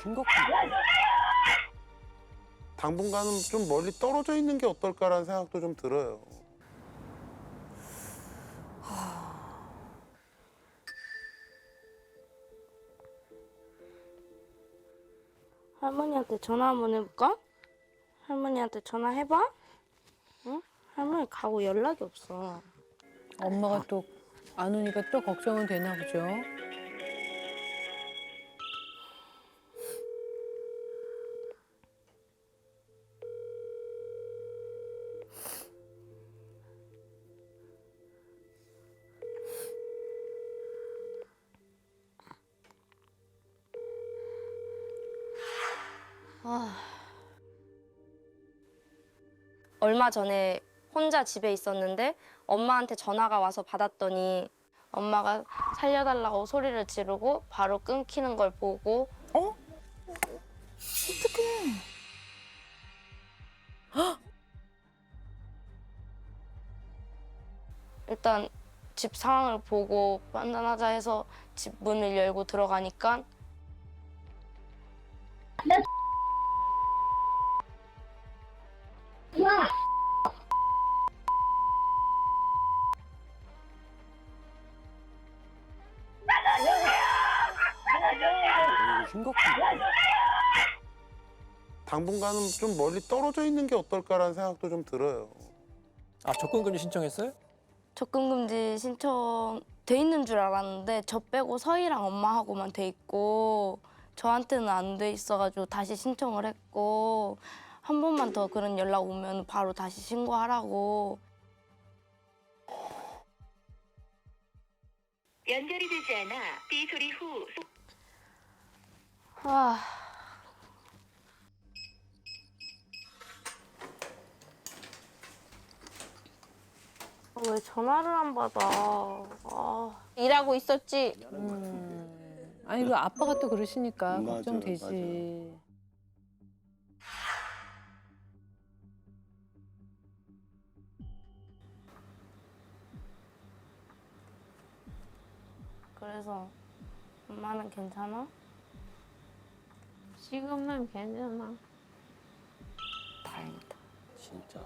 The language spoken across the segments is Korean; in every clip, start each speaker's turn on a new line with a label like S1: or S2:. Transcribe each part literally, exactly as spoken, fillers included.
S1: 심각한데.
S2: 당분간은 좀 멀리 떨어져 있는 게 어떨까라는 생각도 좀 들어요.
S3: 할머니한테 전화 한번 해볼까? 할머니한테 전화해봐? 응? 할머니 가고 연락이 없어.
S4: 엄마가 또 안 오니까 또 걱정은 되나 보죠.
S3: 얼마 전에 혼자 집에 있었는데 엄마한테 전화가 와서 받았더니 엄마가 살려달라고 소리를 지르고 바로 끊기는 걸 보고
S4: 어?
S3: 일단 집 상황을 보고 판단하자 해서 집 문을 열고 들어가니까
S1: 이거 심각한데.
S2: 당분간은 좀 멀리 떨어져 있는 게 어떨까라는 생각도 좀 들어요.
S1: 아, 접근금지 신청했어요?
S3: 접근금지 신청 돼 있는 줄 알았는데 저 빼고 서희랑 엄마하고만 돼 있고 저한테는 안 돼 있어가지고 다시 신청을 했고 한 번만 더 그런 연락 오면 바로 다시 신고하라고.
S5: 연결이 되지 않아 삐 소리 후
S3: 아, 왜 전화를 안 받아? 아, 일하고 있었지.
S4: 음. 아니 그 아빠가 또 그러시니까
S2: 맞아요,
S4: 걱정되지.
S2: 맞아요.
S3: 그래서 엄마는 괜찮아?
S6: 지금은 괜찮아.
S3: 다행이다.
S1: 진짜.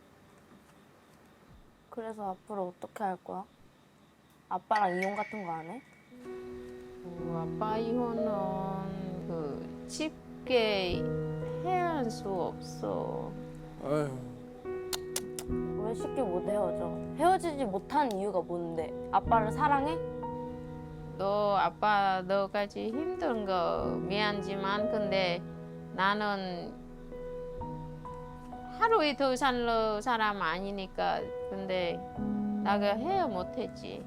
S3: 그래서 앞으로 어떻게 할 거야? 아빠랑 이혼 같은 거 안 해?
S6: 어, 아빠 이혼은 그 쉽게 헤어질 수 없어.
S1: 아유.
S3: 왜 쉽게 못 헤어져? 헤어지지 못한 이유가 뭔데? 아빠를 사랑해?
S6: 너 아빠 너까지 힘든 거 미안지만 근데 나는 하루 이틀 살 사람 아니니까 근데 나가 헤어 못했지.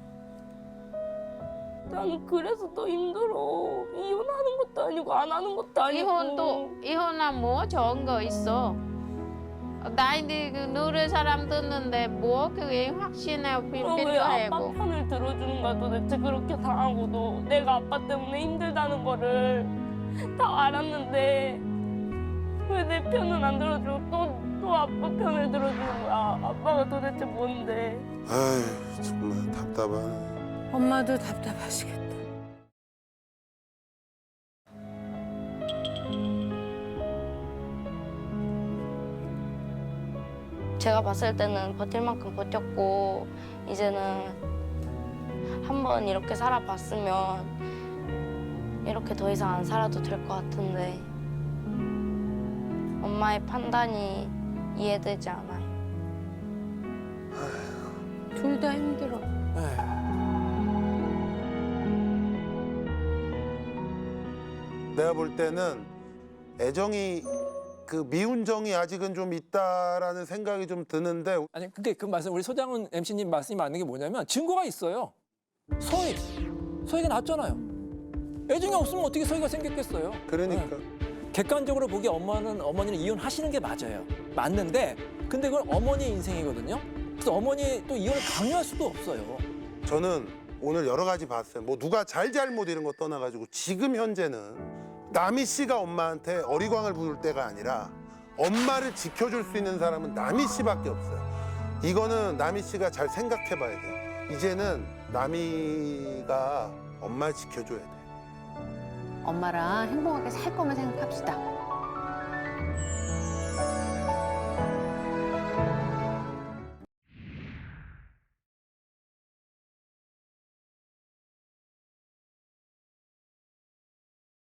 S3: 나는 그래서 더 힘들어. 이혼하는 것도 아니고 안 하는 것도 아니고.
S6: 이혼도 이혼은 뭐 좋은 거 있어. 나이들 그 노래 사람 듣는데 뭐 그게 확신해
S3: 너 왜 아빠
S6: 필요하고.
S3: 편을 들어주는 거야 도대체. 그렇게 당하고도 내가 아빠 때문에 힘들다는 거를 다 알았는데 왜 내 편은 안 들어주고 또, 또 아빠 편을 들어주는 거야. 아빠가 도대체 뭔데.
S2: 아이, 정말 답답하네.
S4: 엄마도 답답하시겠다.
S3: 제가 봤을 때는 버틸 만큼 버텼고 이제는 한번 이렇게 살아봤으면 이렇게 더 이상 안 살아도 될 것 같은데 엄마의 판단이 이해되지 않아요.
S4: 둘 다 힘들어.
S1: 에휴.
S2: 내가 볼 때는 애정이 그 미운 정이 아직은 좀 있다라는 생각이 좀 드는데
S1: 아니, 근데 그 말씀, 우리 소장훈 엠씨님 말씀이 맞는 게 뭐냐면 증거가 있어요. 서희. 서희가 낳았잖아요. 애정이 없으면 어떻게 서희가 생겼겠어요.
S2: 그러니까
S1: 네. 객관적으로 보기에 엄마는, 어머니는 이혼하시는 게 맞아요. 맞는데, 근데 그건 어머니 인생이거든요. 그래서 어머니 또 이혼을 강요할 수도 없어요.
S2: 저는 오늘 여러 가지 봤어요. 뭐 누가 잘잘못 이런 거 떠나가지고 지금 현재는 남희 씨가 엄마한테 어리광을 부를 때가 아니라 엄마를 지켜줄 수 있는 사람은 남희 씨밖에 없어요. 이거는 남희 씨가 잘 생각해 봐야 돼요. 이제는 남희가 엄마를 지켜줘야 돼요.
S4: 엄마랑 행복하게 살 거만 생각합시다.